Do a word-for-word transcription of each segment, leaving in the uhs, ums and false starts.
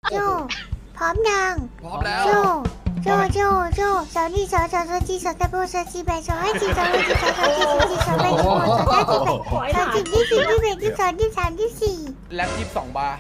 โจพร้อมยังพร้อมแล้วโจโจโจโจสาวนี่สาวสาวสาวจีสาวตะโบสาวจีแบสาวให้จีสาวให้จีสาวสาวจีสาวจีสาวแบสาวสาวจีแบสาวจีที่สี่ที่แบที่สองที่สามที่สี่แล็บยี่สิบสองบาร์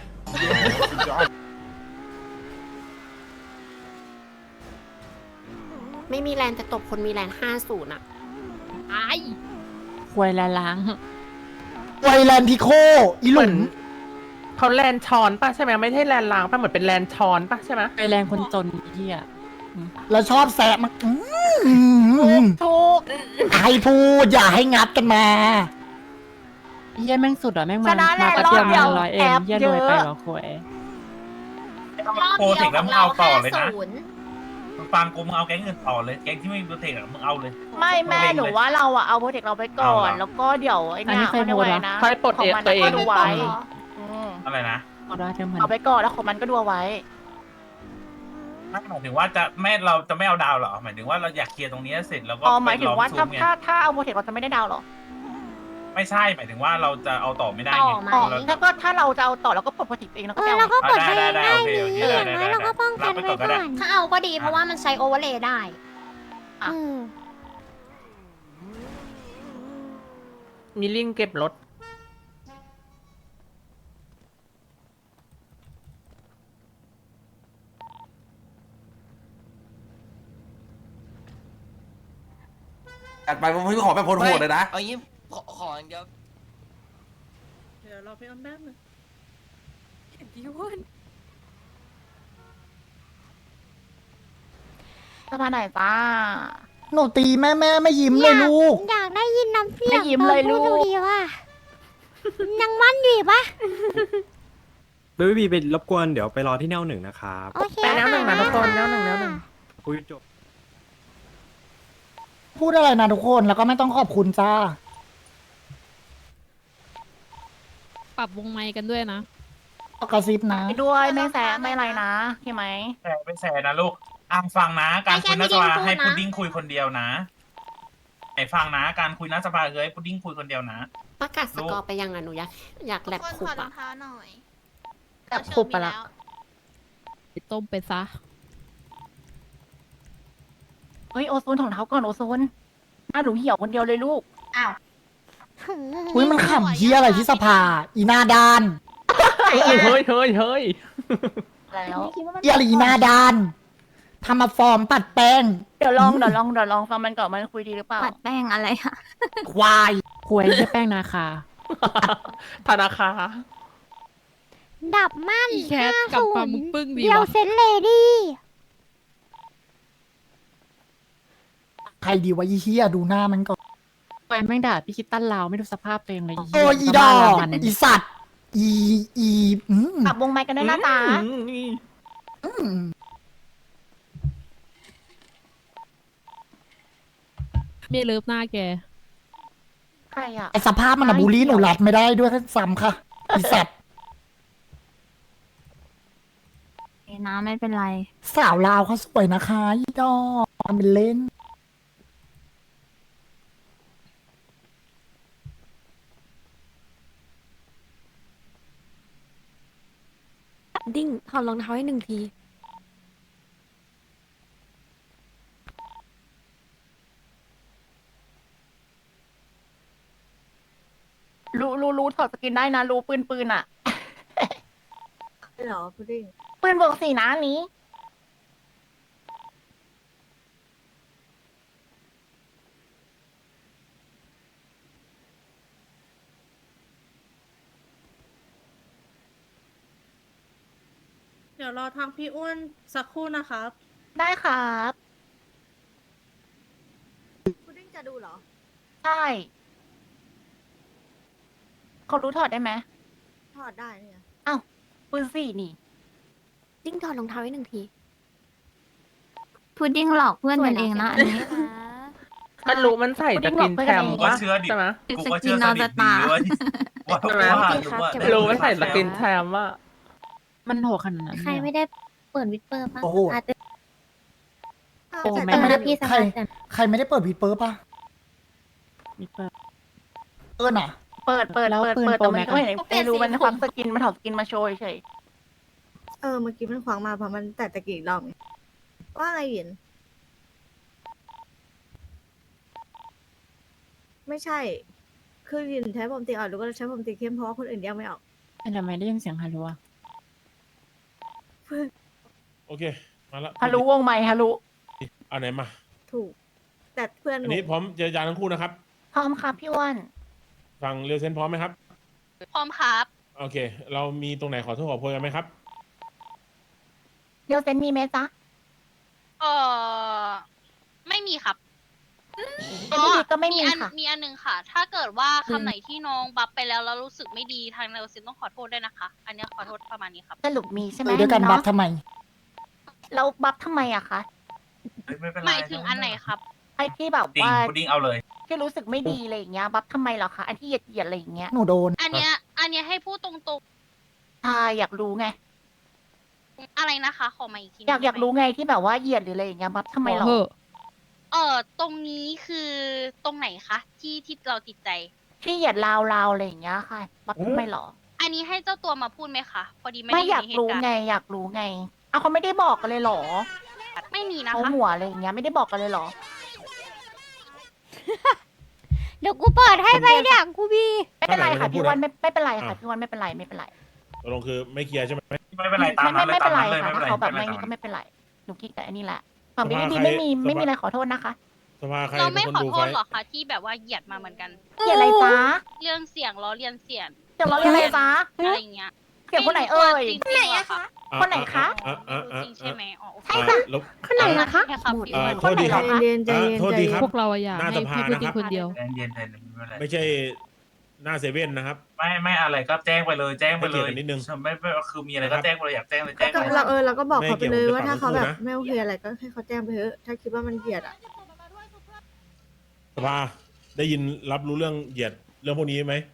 ไม่มีแลนแต่ตบคนมีแลนห้าศูนย์อ่ะไอ้ควยละล้างไวแลนพิโคอีหลุนเขาแลนชอนป่ะใช่ไหมไม่ใช่แลนล้างป่ะเหมือนเป็นแลนชอนป่ะใช่ไหมไปแรงคนจนเหี้ยแล้วชอบแซะมันอืมถูกให้พูดอย่าให้งัดกันมาเหี้ยแม่งสุดอ่ะแม่งชมานะแหละมาแป๊บเดียวรอบเดีมายวร้อยเอ็แอมปเหี้ยเยรวยไปอะเหรอควยโปรเทคแล้วมึงเอาต่อเลยนะมึงฟังกูมึงเอาแก๊งอื่นต่อเลยแก๊งที่ไม่มีโปรเทคอะมึงเอาเลยไม่แม่หนูว่าเราอะเอาโปรเจกต์เราไปก่อนเอาเหรอแล้วก็เดี๋ยวไอ้เนี่ยเขาเรียกว่าอะไรนะค่อยปลดขอเองมันตัวเองก็ดูไว้อืมอะไรนะเอาได้เท่ามันเอาไปก่อนแล้วของมันก็ดูเอาไว้ไม่หมายถึงว่าจะไม่เราจะไม่เอาดาวเหรอหมายถึงว่าเราอยากเคลียร์ตรงนี้เสร็จแล้วก็อ๋อหมายถึงว่าไปลถ้าซูมไงถ้าถ้าเอาโปรเจกต์เราจะไม่ได้ดาวเหรอไม่ใช่หมายถึงว่าเราจะเอาต่อไม่ได้ต่ไงอไหมอ๋อเราถ้าก็ถ้าเราจะเอาต่อเราก็ปลดโปรเจกต์เองแล้วเอก็อไปเราเอาก็ปลดให้ได้ได้ได้โอเคดีโอเคอได้ย่างได้น้อยได้เราก็ป้องกันรับไปก่ไว้อนก็ก่ได้อนถ้าเอาก็ดีเพราะว่ามันใช้โอเวอร์เลย์ได้เออมีลิงเก็บรถจัดไปผมพี่ขอแบบโหดๆเลยนะเอางี้ขอขออย่างเดียวเดี๋ยวเราไปเอาแป๊บนึงเห็นดิวอนสภาไหนจ้าหนูตีแม่แม่ไม่ยิ้มเลยลูกอยากได้ยินน้ำเสียงไม่ยิ้มเลยลูกตอนพูดดูดีว่ะยังมันอยู่อีกปะเบบี้บีไปรบกวนเดี๋ยวไปรอที่แนวหนึ่งนะครับโอเคไปแล้วหนึ่งนะทุกคนแล้วหนึ่งแล้วหนึ่งคุยจบพูดอะไรนะทุกคนแล้วก็ไม่ต้องขอบคุณจ้าปรับวงไมค์กันด้วยนะกระซิบนะไปด้วยไม่แซะไม่อะไรนะใช่ไหมแชร์ไปแชร์นะลูกอ่างฟังนะ การคุยนักสภาให้พุดดิ้งคุยคนเดียวนะไอ้ฟังนะ การคุยนักสภาคือให้พุดดิ้งคุยคนเดียวนะประกาศสกอร์ไปยังอ่ะหนูอยากอยากแลบคุบอ่ะแบบคุบไปละต้มไปซะเฮ้ยโอโซนของเท้าก่อนโอโซนหน้าหนูเหี่ยวคนเดียวเลยลูกอุ้ยมันขำเฮียอะไรที่สภา อีหน้าด้านเฮ้ยเฮ้ยเฮ้ยเฮ้ยแล้วเฮียอะไรอีหน้าด้านทำมาฟอร์มปัดแป้งเดี๋ยวลองเดี๋ยวลองเดี๋ยวลองฟังมันก่อนมันคุยดีหรือเปล่าปัดแป้งอะไรอะควายควยใช่แป้งนาคาธนาคารดับมั่นอีแคทกับปลาหมึกปึ้งดีเดียววะเซนเลดี้ใครดีวะอีเฮียดูหน้ามันก่อนควยแม่งด่าพี่คิดตั้นลาวไม่ดูสภาพตัวเองเลยโอ้ยอีดอกอีสัตว์อีอีอืมปรับวงไมค์กันด้วยนะจ๊ะอืมเมียเลิฟหน้าแกใครอ่ะไอสภาพมันอะบูลลี่หนูรับไม่ได้ด้วยซ้ำค่ะอีสัตว์นะไม่เป็นไรสาวลาวเขาสวยนะคะอีดอกทำเป็นเล่นดิ้งถอดรองเท้าให้หนึ่งทีรู้รู้รู้ถอดสกินได้นะ รู้ปืนปืนอ่ะเหรอพุดดิ้งปืนบวกสี่นะอันนี้เดี๋ยวรอทางพี่อ้วนสักครู่นะครับได้ครับพุดดิ้งจะดูเหรอใช่เขารู้ถอดได้ไหมถอดได้เนี่ยอ้าวปืนสี่นี่ดิ้งถอดรองเท้าให้หนึ่งทีพุดดิ้งหลอกเพื่อนกันเองนะอันนี้มันรู้มันใส่ตะกินแคมกูก็ปะเชื่อดิใช่ไหมกูก็เชื่อสนิทดีเว้ยว่าใช่ไหมว่ารู้ว่ารู้มันใส่ตะกินแคมว่ามันโหดขนาดนั้นใครไม่ได้เปิดวิดเปอร์ป่ะโอ้โหอาจจะโอ้แต่แม่แต่ถ้าพี่สใครภาแต่ใครไม่ได้เปิดวีดเปิร์ปะมีเปิดเออน่ะเปิดเปิดแล้วเปิดปืนเปิดแต่มันโปรแม็กก็ไม่เห็นไม่รู้มันความสกินมันถอดสกินมาโชว์เฉยไอออเมื่อกี้มันขวางมาเพราะมันแต่ตะกี้รอบไงว่าไงหยินไม่ใช่ คือหยินใช้ผมตีอ่อนหรือว่าใช้ผมตีเข้มเพราะว่าคนอื่นแยกไม่ออกเป็นทำไมได้ยินเสียงฮารุอะโอเค มาแล้วฮารุวงไหมฮารุเอาไหนมาถูก แต่เพื่อนหอันนูนี้พร้อมเจรจาทั้งคู่นะครับพร้อมครับพี่อ้วนฟังเรียวเซนพร้อมไหมครับพร้อมครับโอเค เรามีตรงไหนขอโทษขอโพยกันไหมครับเดี๋ยวเซนมีไหมจ๊ะเออไม่มีครับเซนไม่มีก็ไม่มีอันค่ะมีอันหนึงค่ะ ถ้าเกิดว่าอืมคำไหนที่น้องบัฟไปแล้วแล้วรู้สึกไม่ดีทางเรลซินต้องขอโทษด้วยนะคะ อันเนี้ยขอโทษประมาณนี้ครับสรุปมีใช่ไหมเออด้วยกันบัฟเนาะทำไมแล้วบัฟทำไมอะคะเฮ้ยไม่เป็นไรหมายถึงอันไหนครับไอ้ที่แบบจริงว่าพุดดิ้งเอาเลยที่รู้สึกไม่ดีอะไรอย่างเงี้ยบัฟทำไมเหรอคะอันที่เหยียดเหยียดๆอะไรอย่างเงี้ยหนูโดนอันเนี้ย อันเนี้ยให้พูดตรงใช่อยากรู้ไงๆ อะไรนะคะ ขอมาอีกทีอยากอยากรู้ไงที่แบบว่าเหยียดหรืออะไรอย่างเงี้ยบัฟทำไมเหรอเออตรงนี้คือตรงไหนคะที่ที่เราติดใจที่เหยียดราวราวอะไรอย่างเงี้ยค่ะบัฟทำไมเหรออันนี้ให้เจ้าตัวมาพูดไหมคะพอดีไม่ไม่ได้ออยากในเหรู้ตุการไงณ์อยากรู้ไงเอาเขาไม่ได้บอกกันเลยเหรอไม่มีนะเขาคะหัวอะไรอย่างเงี้ยไม่ได้บอกกันเลยเหรอเดี๋ยวกูเปิดให้ไปเนี่ยกูบีไม่เป็นไรค่ะถ้าไหนพี่ไม่วันพูดไม่ไม่เป็นไรค่ะอ่ะพี่วันไม่เป็นไรไม่เป็นไรตกลงคือไม่เคลียร์ใช่ไหมไม่เป็นไรตามไม่นั้นเลไม่ยเป็ตามนไรนั้นเลยค่ะไม่เป็นไรถ้าเขาแบบไม่ไม่เป็นไรก็ไม่เป็นไรหนูคิดแต่อันนี้แหละฝั่งสพี่ภาบีใครไม่มีสภาไม่มีอะไรขอโทษนะคะสภาใครเราเป็ไม่นคนขอดูโทไฟษหรอกคะที่แบบว่าเหยียดมาเหมือนกันเกี่ยวอะไรจ๊ะเรื่องเสียงล้อเลียนเสียงเกี่ยวเราเรียนอะไรจ๊ะอะไรอย่างเงี้ยเกี่ยวคนไหนเอ่ยจริงๆเหรอคะอ่คนไหนคะอ่อ่อ่อ่จริงใช่ไหมอ๋อโอเคอ่าลบคนไหนนะคะใช่ครับพี่อ่าอ้วนโทษดีครับคนไหนเหรอคะเย็นๆใจอ่าเย็นโทษใจดีเย็ครับนพวกเราอะอยากหน้าให้สภาพี่พูดนะครับคนเดียวเย็นเย็นๆไม่เป็นไรไม่ใช่หน้าเซเว่นนะครับไม่ไม่อะไรก็แจ้งไปเลยแจ้งไปเลยให้เกียรติกันนิดนึงไม่ไม่คือมีอะไรก็แจ้งไปเลยอยากแจ้งเลยแจ้งก็ไปเราเออเราก็บอกไม่เขาไปเกี่ยวเลยกับว่าถ้าเขาปากแบบทั้งคู่นะไม่โอเคอะไรก็ให้เขาแจ้งไปเถอะถ้าคิดว่ามันเหยียดอ่ะสภาได้ยินรับรู้เรื่องเหยียดเรื่องพวกนี้ไหม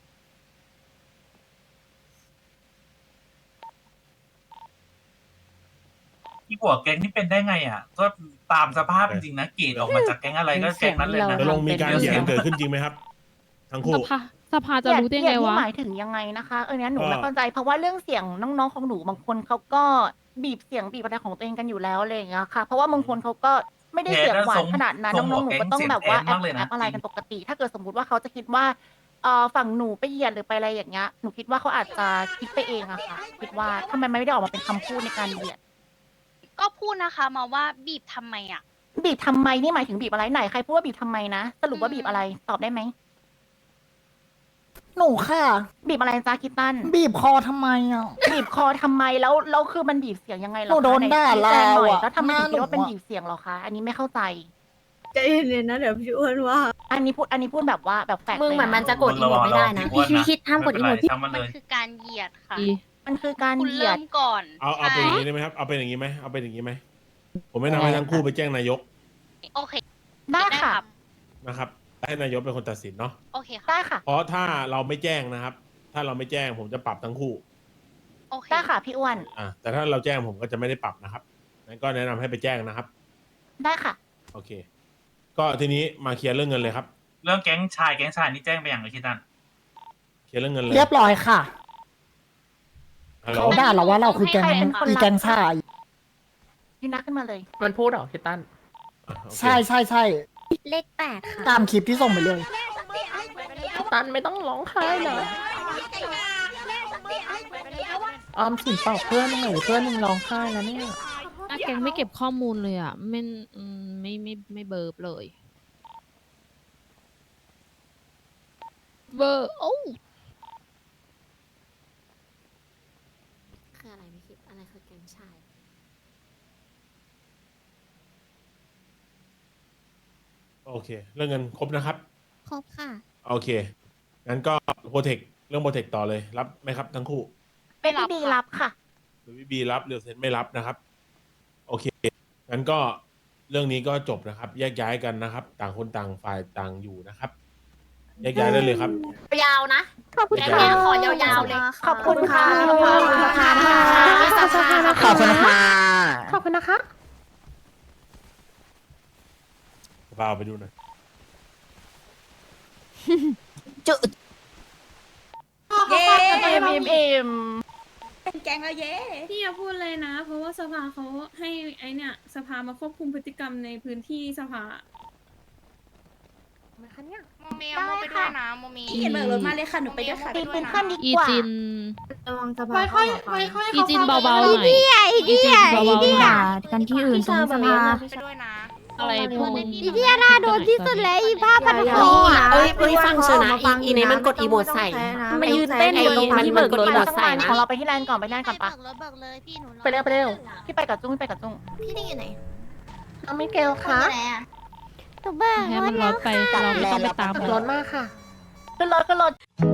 ที่หัวแก๊งนี่เป็นได้ไงอ่ะ ก็ตามสภาพจริงๆนะเกรดออกมาจากแก๊งอะไรก็แก๊งนั้นเลยนะตกลงมีการเหยียดกันเกิดขึ้นจริงไหมครับ ทั้งคู่สภาสภาจะรู้ได้เหยีไงยดวะนี่หมายถึงยังไงนะคะเออเนี้ยหนูก็ไม่เข้าใจเพราะว่าเรื่องเสียงน้องๆของหนูบางคนเขาก็บีบเสียงบีบอะไรของตัวเองกันอยู่แล้วอะไรอย่างเงี้ยค่ะ เพราะว่าบางคนเขาก็ไม่ได้เสียงหวานขนาดนั้นน้องๆหนูก็ต้องแบบว่าแอปแอปอะไรกันปกติ ถ้าเกิดสมมติว่าเขาจะคิดว่าเอ่อฝั่งหนูไปเหยียดหรือไปอะไรอย่างเงี้ยหนูคิดว่าเขาอาจจะคิดไปเองอะค่ะคิดว่าทำไมไม่ได้ออกมาเป็นคำพูดในการเหยียดก็พูดนะคะมาว่าบีบทำไมอ่ะบีบทำไมนี่หมายถึงบีบอะไรไหนใครพูดว่าบีบทำไมนะสรุปว่าบีบอะไรตอบได้ไหมหนูค่ะบีบอะไรจ้าคิตตันบีบคอทำไมอ่ะบีบคอทำไมแล้วแล้วคือมันบีบเสียงยังไงเหรอหนูคะโดนด่าไหชี้แจงหน่อยลาวอะแล้วทำไมถึงคิดว่าเป็นหน้าหนูอะบีบเสียงเหรอคะอันนี้ไม่เข้าใจใจเย็นๆนะเดี๋ยวพี่อ้วนว่าอันนี้พูดอันนี้พูดแบบว่าแบบแฝงมึงเหมือนมันจะลยกดอีโมดไม่ได้นะพี่คิดคิดห้ามกดอีโมดทำมันมัเลนยคือการเหยียดค่ะอีมันคือการคุณเหยียเริ่ดมก่อนเอาเอาเป็นอย่างนี้ใช่ได้ไหมครับ เอาเป็นอย่างนี้ไหมเอาเป็นอย่างนี้ไหม ผมไม่นำให้ทั้งคู่ไปแจ้งนายกโอเคได้ค่ะครับนะครับ ให้นายกเป็นคนตัดสินเนาะโอเคค่ะได้ค่ะเพราะถ้าเราไม่แจ้งนะครับ ถ้าเราไม่แจ้งผมจะปรับทั้งคู่โอเคได้ค่ะพี่อ้วนอ่าแต่ถ้าเราแจ้งผมก็จะไม่ได้ปรับนะครับงั้นก็แนะนำให้ไปแจ้งนะครับได้ค่ะโอเค ก็ทีนี้มาเคลียร์เรื่องเงินเลยครับเรื่องแก๊งชายแก๊งชายนี่แจ้งไปอย่างไรคิดตันเคลียร์เรื่องเงินเลยเรียบร้อยค่ะฮัลโหลเขาด่าเราว่าเราคือแกงให้ใครเป็นคนอีแกงซ่าพี่นักขึ้นมาเลยมันพูดเหรอคิตตันอ่ะโอเคใช่ใช่ใช่เลขแปดค่ะตามคลิปที่ส่งไปเลยคิตตันไม่ต้องร้องไห้นะออมสินเปล่าเพื่อนหน่อยเพื่อนมึงร้องไห้แล้วเนี่ยอ่ะแกงไม่เก็บข้อมูลเลยอ่ะไม่อืมไม่ไม่ไม่เบิร์บเลย เบอร์โอ้คืออะไรไม่คิดอะไรคือแกงชายโอเค เรื่องเงินครบนะครับครบค่ะโอเค งั้นก็โปรเทค เรื่องโปรเทคต่อเลยรับไหมครับทั้งคู่เป็นพี่บีรับค่ะหรือบีรับเรียวเซนไม่รับนะครับ โอเค งั้นก็เรื่องนี้ก็จบนะครับ แยกย้ายกันนะครับ ต่างคนต่างฝ่ายต่างอยู่นะครับ แยกย้ายได้เลยครับยาวนะขอบคุณแกค่ะงขอยาวๆเลยขอบคุณค่ะขอบคุณค่ะขอบคุณค่ะขอบคุณนะคะพาไปดูหน่อยเอ็มเอ็มเอ็มเป็นแก๊งแล้วเย้พี่อย่าพูดเลยนะ เพราะว่าสภาเขาให้ไอเนี่ยสภามาควบคุมพฤติกรรมในพื้นที่สภาโมเมลโมไปด้วยนะโมมีพี่เห็นเบิกรถมาเลยค่ะหนูไปด้วยค่ะตีเป็นขั้นดีอีกว่าจินระวังสภาค่อยค่อยค่อยค่อยอีจินเบาๆหน่อยอีเดียอีอีเดีจิยนเบาๆหน่อยกันที่อื่นตรงสภาไปด้วยนะอะไรพวกมึงอีเดียน่าโดนที่สุดเลยอีผ้าพันคออ่ะเอ้ยเอ้ยฟังเชนะอีนี้มันกดอีโมดใส่มายืนเต้นอยู่ตรงที่เบิกรถที่หมเราดต้องใส่การนะของเราไปที่แลนด์ก่อนไปแลนด์ก่อนปะเบิกรถเบิกเลยพี่หนูไปเร็วไปเร็วพี่ไปกับจุ้งพี่ไปกับจุ้งพี่ได้อยู่ไหนน้องมิเกลคะหนูเบิกให้รมัถนรแล้วถไปเราไม่ต้องไปตามรถมากค่ะขึ้นรถขึ้นรถ